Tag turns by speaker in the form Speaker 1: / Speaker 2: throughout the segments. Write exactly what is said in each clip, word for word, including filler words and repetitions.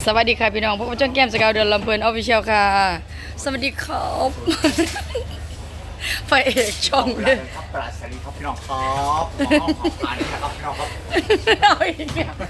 Speaker 1: สวัสดีค่ะพี่น้องพวกช่องแก้มสกาวเดือนลำเพลินออฟฟิเชียลค่ะสวัสดีครับไฟเอกช่องเลย
Speaker 2: ครับปราศรีครับพี่น้องครับขอขอบคุณนะครับพี่น้องครับ
Speaker 1: เอาอีกเนี่ย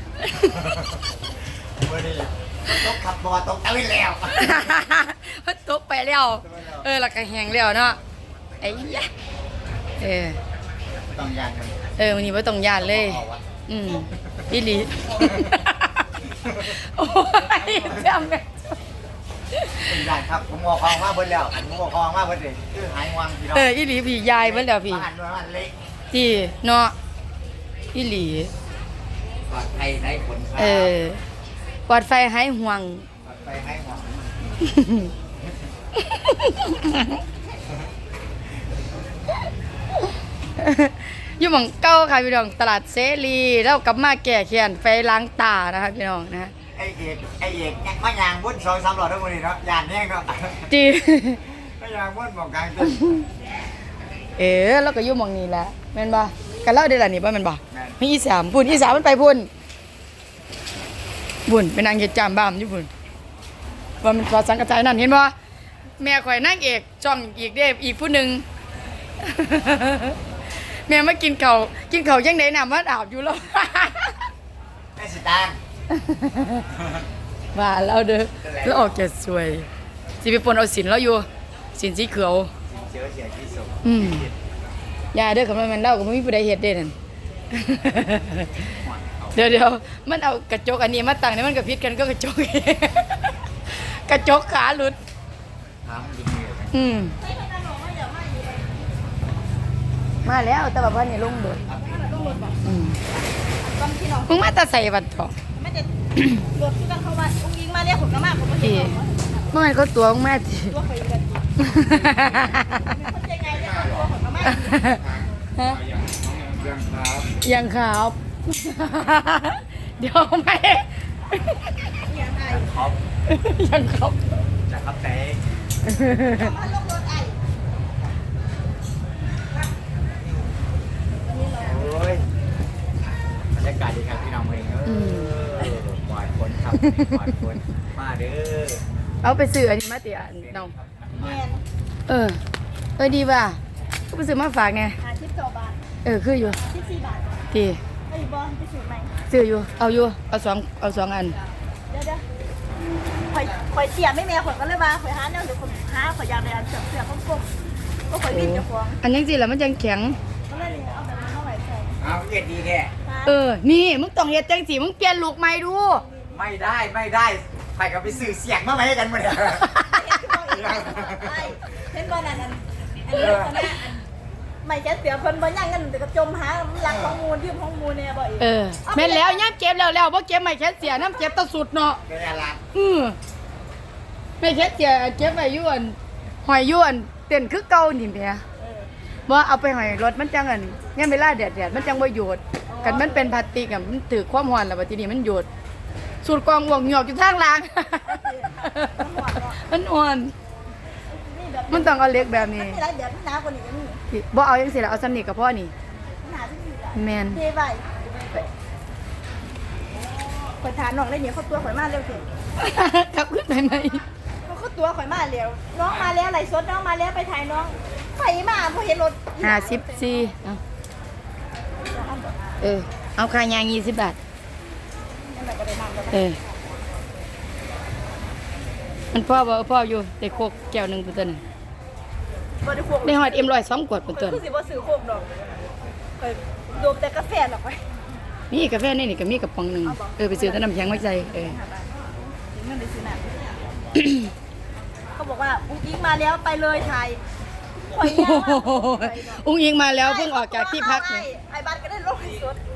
Speaker 2: วันนี้ต้องขับตัวตรงตะวินแล้ว
Speaker 1: มันตกไปแล้วเออหลักกระแหงแล้วเนาะไอ้ยะเออ
Speaker 2: ต้องยันมัน
Speaker 1: เออวันนี้ไม่ต้องยานเลยอืมอีหลีโอ้ยจำเนี่ย
Speaker 2: ต้องยันครับผมบอกคลองมาเบิ้ลแล้วผมบอกคลองมาเบิ้ลเลยคือหายงวงพี่น้อง
Speaker 1: เอออีหลีพี่ยายเบิ่แล้วพี่
Speaker 2: บ้านบ้านเล็ก
Speaker 1: ที่เนาะอีหลี
Speaker 2: ปลอดภัยไร้ผลครับ
Speaker 1: เออปลอดไฟหายห่วง
Speaker 2: ปลอดภัยไร้หวัง
Speaker 1: อยู่หม่องเก้าค่ะพี่น้องตลาดเสรีแล้วกลับมาแก่เขียนไฟล้างตานะคะพี่น้องนะฮะ
Speaker 2: ไอเอกไอเอกมายางบุ้นสองสามหลอดทั้งหมดเลยเนาะยานแน่เนาะ
Speaker 1: จี
Speaker 2: มายางบุ้นบอกกลางเต้น
Speaker 1: เอ๋แล้วก็อยู่หม่องนี้แหละแม่นบ่กันเล่าได้ล่ะนี่บ่แม่นบ่มีอีสามพุ่นอีสามมันไปพุ่นพุ่นไปนั่งเฮ็ดจามบ้ามอยู่พุ่นว่ามันพอสังกระจายนั่นเห็นบ่แม่ข่อยนางเอกจ้องอีกเด้อีกผู้หนึง แม่มากินข้าวกินข้าวยังไดน้ำมันอาบอยู่แล้ว
Speaker 2: ไอสิตาง
Speaker 1: ว่าเราเด้อแล้วออกแก่สวยสิไปปนเอาสินแล้วอยู่สินสีเขียว
Speaker 2: เจอเสียที่สุด
Speaker 1: อืมอย่าเด้อคำว่ามันเล่าก็บ่มีผู้ใดเฮ็ดเด้นั่น เดี๋ยวเดี๋ยวมันเอากระจกอันนี้มาตั้งนี่มันก็ผิดกันก็กระจก กระจกขาหลุด
Speaker 2: ถามจริงเลย
Speaker 1: อืมมาแล้วแต่ว่าวันนี้ลงโดดอืมมึงมาแตาใส่บัดทอง
Speaker 3: ไม่ได้รถที่กันเข้ามาอุ้งยิงมาเรียกผมก็มากผมไม่
Speaker 1: ที่
Speaker 3: เห็น
Speaker 1: เมื่อมันก็ตัวมึงมาสิ
Speaker 3: ตัวเคยกันคนใจไงเรียกตัวผมก็มาก
Speaker 1: ฮะ
Speaker 2: เรื่องครับ
Speaker 1: ยังครับ เดี๋ยวไม่
Speaker 3: อย่างไร
Speaker 2: ครับ
Speaker 1: ยังครับ
Speaker 2: จะครับแต่
Speaker 3: มาลงรถไอ้
Speaker 2: โอ้ยบรรยากาศดีครับพี่น้องเองเออปล่อยคนครับปล่อยคนมาเด้อ
Speaker 1: เอาไปซื้ออันนี้มาติอันน้อง
Speaker 3: แมน
Speaker 1: เออ เออดีป่ะก็ไปซื้อมาฝากไง
Speaker 3: หาชิปสองบาท
Speaker 1: เออคืออยู่
Speaker 3: ชิปสี่บาท
Speaker 1: ที่
Speaker 3: ไอ้บอลไปสูตรใหม่
Speaker 1: ซื้ออยู่ เอาอยู่ เอาสองเอาสองอัน
Speaker 3: เดี๋ยวเดี๋ยวข่อยข่อยเสียไม่แม่ข่อยก็เลยว่าข่อยหาแนวเดี๋ยวข่อยหาข่อยอยากได้อันเสือเสือก้มๆก็ข่อยวิ่งจะฟ้อง
Speaker 1: อันยังสิแล้วมันยังแข็ง
Speaker 3: ก็เลยเอาแบบนั้นมาไหวใส่
Speaker 2: เอาเย็นดีแค่
Speaker 1: เออ นี่มึงต้องเฮ็ดจังสิมึงเปลี่ยนลูกใหม่ดู
Speaker 2: ไม่ได้ไม่ได้ใครก็ไปสื่อเสียงมาไหมกันมาเนี่ย
Speaker 3: ไอ้เห็นบอลนั่นอันอันนี้คนนี้อันไม่แค่เสียเพิ่นบ่ย่างเงินแต่ก็จมหาหลังของมูลยืมของมูลเนี่ยบ่อีก
Speaker 1: เออแม่นแล้วย่ำเก็บแล้วแล้วบ่เก็บไม่แค่เสียน้ำเก็บตะสุดเนาะ
Speaker 2: เป็นอะไร
Speaker 1: อือไม่แค่เสียเก็บไว้อยู่อันหอยอยู่อันเต้นคือเก่านี่แหม
Speaker 3: เออ
Speaker 1: บ่เอาไปหอยรถมันจังอันยามเวลาแดดๆมันจังบ่โยดกันมันเป็นพลาสติกอ่ะมันถือความร้อนแล้วบัดทีนี้มันโยดสูดกองหวงหยอกอยู่ทางล่าง มันอ่อน
Speaker 3: นี่แบบ
Speaker 1: มันต้องเอาเหล็กแบบ
Speaker 3: มัน
Speaker 1: นี้
Speaker 3: มีหลายแบบหนาวกว่านี้ก็มี
Speaker 1: ที่บ่เอาจังซี่ล่ะเอาซ้ำนี่ก็พอนี่
Speaker 3: หนาที่มีหลาย
Speaker 1: แม่น
Speaker 3: เทไว้ข่อยถามน้องได้เนี่ยเขาตัวข่อยมาเร็วเถิด
Speaker 1: กลับขึ้นไปไหม
Speaker 3: เขาเขาตัวข่อยมาเร็วน้องมาแล้วไหลสดน้องมาแล้วไปถ่ายน้องไฟมาพอเห็นรถ
Speaker 1: ห้าสิบสี่เอาเออเอาค่ายางยี่สิบบาท
Speaker 3: นั่นแหละก็ได้นั่งก็ได้
Speaker 1: เออมันพ่อบ่พ่ออยู่แต่โคกแก้วหนึงเป็นตัวนึง
Speaker 3: บ่ได้พวก
Speaker 1: ได้ฮอดเอ็มร้อยสองขวดเป็นตัว
Speaker 3: คือสิบ่ซื้อโคกดอกข่อยโดมแต่กาแฟหรอกไป
Speaker 1: มีกาแฟในนี่ก็มีกระป๋องหนึงเออไปซื้อแต่น้ำแข็งมาใส่เออ
Speaker 3: ถึงเงินได้ซื้อน้ำเขาบอกว่าอุ้งอิงมาแล้วไปเลยไทยข่อยยาวอะ
Speaker 1: อุ้งอิงมาแล้วเพิ่งออกจากที่พัก
Speaker 3: ไอ้
Speaker 1: นี่
Speaker 3: ไอ้บ้านก็ได้ลงสด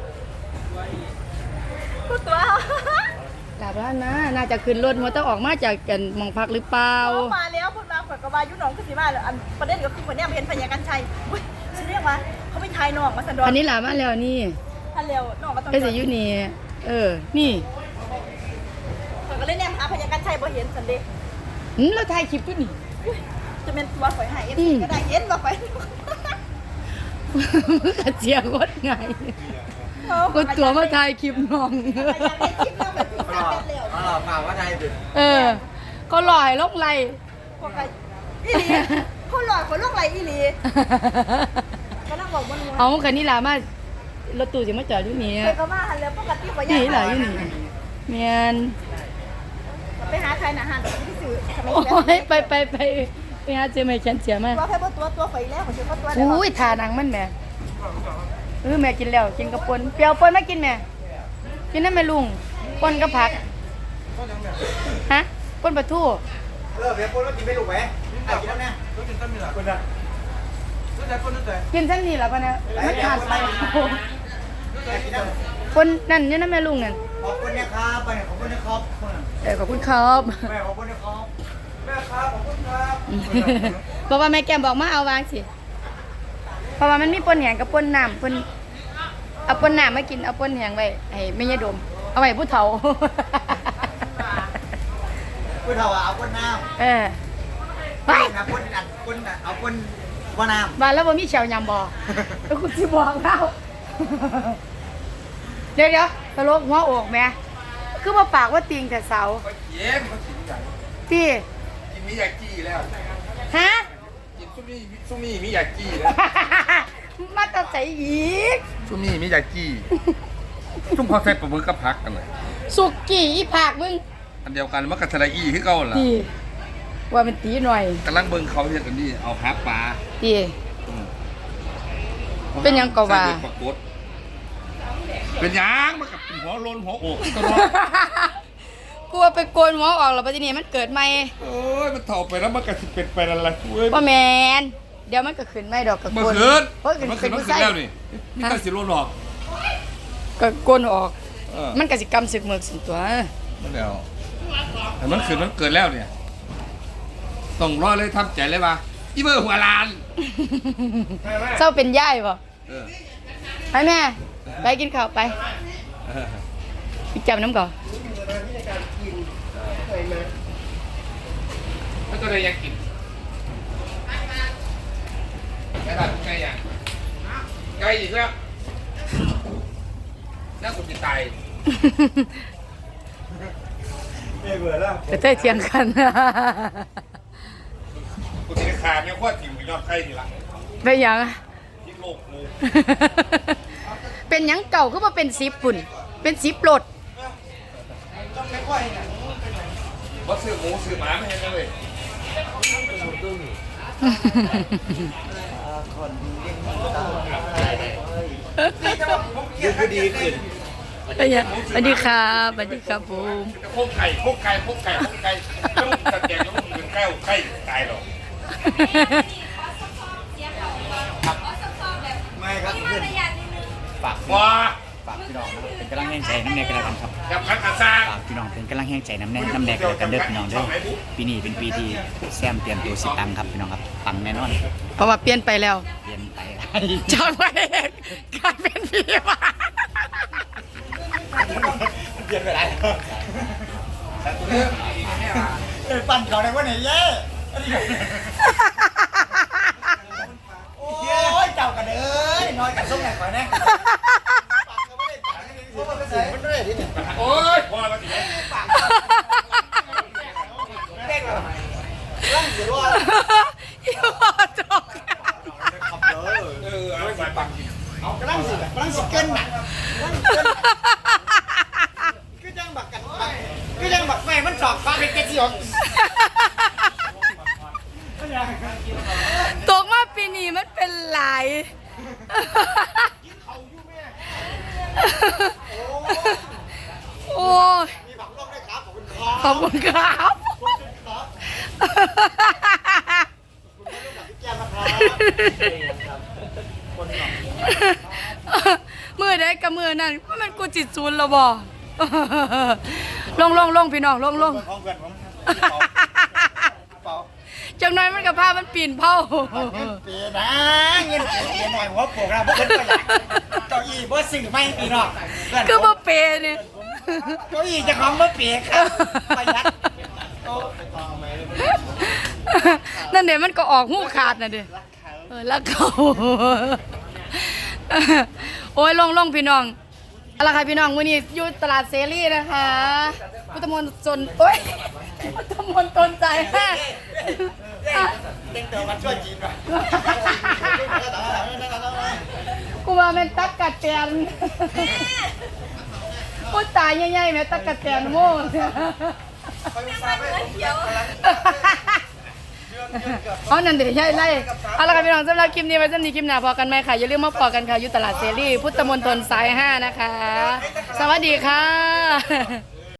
Speaker 3: กูตัว
Speaker 1: กลับแล้วนะน่าจะขึ้นรถมันต้องออกมาจากกันหมองพักหรือเปล่า
Speaker 3: เขามาแล้วพูดมาข่อยก็ว่ายุ่น้องคือสิมาแล้วอันประเด็นก็คือคนเนี้ยเห็นพญากันชัยอุ้ยฉันเรียกว่าเขาไปทายน้องมาสันดอน
Speaker 1: อันนี้หลามาแล้วนี่
Speaker 3: ท่านเร็วน้องมาต้อง
Speaker 1: ไอ้สิอยู่นี่เออนี่
Speaker 3: ข่อยก็เลยเนี่ยหาพญากันชัยบ่เห็นสันเดย์
Speaker 1: หืมแล้วถ่ายคลิปด้วยนี่
Speaker 3: จะเป็นตัวข่อยหายเอฟ
Speaker 1: อืม
Speaker 3: ก็ได้เห็นบ่ข่อย
Speaker 1: มึงกระเจียกดไงกดตัวมาถ่ายคลิปน้อง
Speaker 3: อยากได้คลิปเราแบบที่
Speaker 2: เอาห
Speaker 3: สา
Speaker 2: ล่อ
Speaker 3: มเป็นเหลว
Speaker 2: เอาหล่อเปล่าว่าไทยดึก
Speaker 1: เออก็หล่อยลงไหล
Speaker 3: พวกไอ้อีหลีเขาหลอดคนลูกไหลอีหลีก็นั่งบอกมัน
Speaker 1: เอาคันนี้ล่ะมารถตู้สิมาจอดอยู่นี่
Speaker 3: เคยก็มาหันแล้วปกติกว่า
Speaker 1: นี่
Speaker 3: ย่าง
Speaker 1: ล่ะอยู่นี่แม่น
Speaker 3: ไปหาใครนะหันที่สื่อทำไม
Speaker 1: โอ้ยไปไปไปไปหาเจอแม่แขนเสียมา
Speaker 3: ตัวแค่ตัวตัวไฟแล้วผมคิดว่าตัว
Speaker 1: อุ้ยทานังมันแม่เออแม่กินแล้วกินกับปนเปรี้ยวปนมากินแม่กินนั่นแม่ลุงปนกับผักฮะปนปลาทู
Speaker 2: เลิกเดี๋ยวคนว่ากินไม่ถูกไหมอ่ะกินแล้วเนี่ยรู้จักต้นมีหรอคนละรู้จักคนรู้จัก
Speaker 1: กินซ้ำนี่ล่ะปะเนี่ยมันขาดไป
Speaker 2: กินแล้ว
Speaker 1: ปนนั่นนี่นั่นแม่ลุงนั่น
Speaker 2: ขอบคุณนะครับไปขอบคุณนะครับ
Speaker 1: เออขอบคุณครับ
Speaker 2: แม่ขอบคุณนะครับแม่ครับขอบคุณครับ
Speaker 1: บอกว่าแม่แก้มบอกมาเอาวางสิเพราะว่ามันมีปนแหงกับปนน้ำปนเอาปนน้ำมากินเอาปนแหงไว้ให้แม่ยายดมเอาไว้ผู้เฒ่า
Speaker 2: คุณเถาเอาคนน้ำ
Speaker 1: เออไป
Speaker 2: นะคนอันคนเอาคนว่าน้ำ
Speaker 1: บ้านแล้วบ่มีแชวยำบ่แล้วคุณสิบอกเราเดี๋ยวเดี๋ยวตลกหัวอกแม่คือมาปากว่าติงแต่เสา
Speaker 4: เย็นเขากินอย่าง
Speaker 1: พี่
Speaker 4: กินมิยากิแล้ว
Speaker 1: ฮะ
Speaker 4: กินซุมี่ซุมี่มิยากิแล้ว
Speaker 1: มาตัดใจอีก
Speaker 4: ซุมี่มิยากิซุ่มเขาใส่ปลาหมึกกับผักกันเลย
Speaker 1: สุกี้อีผากมึง
Speaker 4: อันเดียวกันมันกับสไลอีคือเก่าล่ะ
Speaker 1: พี่ว่ามันตีหน่อย
Speaker 4: กำลังเบิ่งเขาเฮ็ดอันนี้เอาหาปลา
Speaker 1: พี่
Speaker 4: อืม
Speaker 1: เป็นหยังก็ว่า
Speaker 4: ใส่เบ็ดปรากฏเป็นหยังมันกับหัวโลนหัวอกตลอด
Speaker 1: กลัวไปโกนหัวออกแล้วปัจจุบันมันเกิดใหม่
Speaker 4: เอ้ยมันเถ่าไปแล้วมันก็สิเป็นไปอะไรเว้ย
Speaker 1: ว่าแมนเดี๋ยวมันก็ขึ้นไม่ดอกกับ
Speaker 4: เมื่
Speaker 1: โก
Speaker 4: อน คืน
Speaker 1: เพราะขึ้น
Speaker 4: เมื่อคื
Speaker 1: ขึ้
Speaker 4: น
Speaker 1: น
Speaker 4: มัน
Speaker 1: ผู้
Speaker 4: ขึ้
Speaker 1: ใส่
Speaker 4: นแล้วนี่มีแต่สิโลนออก
Speaker 1: ก็โกนออก
Speaker 4: เออ
Speaker 1: มันก็สิกรรมศึกเมือกสิตัว
Speaker 4: มันแล้วแต่มันขึ้นมันเกิดแล้วเนี่ยต้องรอเลยทำใจเลยว่าอีเบอร์หัวลาน
Speaker 1: เจ้าเป็นย่ายป่ะ
Speaker 4: เออ
Speaker 1: ไปแม่ ไปกินข้าวไป
Speaker 4: เออ
Speaker 1: อีกจับน้ำก่อน
Speaker 4: แล้วก็เลยยังกินไก่บ้านไก่ยังไก่อีกแล้วน่าคุณจะตาย
Speaker 2: ไม่เบื่อแล้ว
Speaker 1: จะเทยเทียงกัน
Speaker 4: กูจะขาดเนี่ยว่าถิ่มกับยอดไก่นี่ละ
Speaker 1: เป็นหยัง
Speaker 4: ที่โลกงู
Speaker 1: เป็นหยังเก่าก็มาเป็นซิปปุ่น เป็นซิปโหลด
Speaker 4: ว่าซื้อหมูซื้อหมาไม่เห็นเลย
Speaker 2: ยืดดีขึ้น
Speaker 1: เป็นหยังสวัสดีครับสวัสดีครับผม
Speaker 4: โคกไก่โคกไก่โคกไก่โคกไก่ลูกตะแกรงลูกเป็นไก่ไก่ตายหรอก
Speaker 2: ไม่ครับขึ้นฝาก
Speaker 4: ว้า
Speaker 2: ฝากพี่น้องนะครับเป็นกำลังแห้งใจน้ำแดงกันแล้วกันครับ
Speaker 4: กับพักกระซ่า
Speaker 2: ฝากพี่น้องเป็นกำลังแห้งใจน้ำแดงน้ำแดงกันแล้วกันเด้อพี่น้องเด้อปีนี้เป็นปีที่แซมเตรียมตัวสิตังครับพี่น้องครับตังแน่นอน
Speaker 1: เพราะว่าเปลี่ยนไปแล้ว
Speaker 2: เปลี่ยนไป
Speaker 1: จากพระเอกกลายเป็นพี่วะ
Speaker 2: เปลี่ยนไปไหนเออปั่นเขาในวันไหนเย้โอ้ยเจ้ากันเอ้ยน้อยกันส้มไหนก่อนนะมันด้วยที่เนี่ย
Speaker 4: โอ้ยพอแล้วสิ
Speaker 2: เด็กเหรอร่างเสียว่า
Speaker 1: อีหอจอก
Speaker 2: ขับเลย
Speaker 4: เออเอาไปปักกิน
Speaker 2: เอากำลังสิกำลังสิเกินหนักกำลังเกินคือจังบักกันคือจังบักแม่มันสอบฟ้าเป็นเกจิออก
Speaker 1: ตกมาปีนี้มันเป็นหลาย โอ้ย
Speaker 2: มีผักลวกด้วยครับขอบคุณครับ
Speaker 1: ขอบคุณครับ
Speaker 2: แก้มนะครับ
Speaker 1: มือได้กับมือนั่นว่ามันกูจิตศูนย์แล้วบ่ ลงลงลงพี่น้องลงลง
Speaker 2: ห้องเพื่อนผมเปล่า
Speaker 1: จังน้อยมันกับผ้ามันปีนเผา
Speaker 2: เงินเปียนะเงินเปียหน่อยหัวโปกเราเพื่อนก็อยากเก้าอี้บ่สื่อไม่พี่น้อง
Speaker 1: คือบ่เปย์เนี่ย
Speaker 2: เก้าอี้จะของบ่เปียครับประหยัด
Speaker 1: นั่นเดี๋ยวมันก็ออกหูขาดน่ะเด้เออแล้วเขาโอ้ยลงลงพี่น้องเอาละค่ะพี่น้องวันนี้อยู่ตลาดเซรีนะคะพุทธมนต์จนโอ้ยพุทธมนต์ตนใจห้า
Speaker 2: เต็งเติมมาช่วยจีนป่ะ
Speaker 1: กูว่าแม่นตักกะแตนพูดตายใหญ่ๆแม่ตักกะแตนโม่เอานั่นเดี๋ยวใช่ไล่เอาละค่ะพี่น้องสำหรับคลิปนี้ไว้สำหรับคลิปหน้าพอกันไหมค่ะอย่าลืมมาพอกันค่ะอยู่ตลาดเซรีพุทธมณฑลสายห้านะคะ สวัสดีค่ะ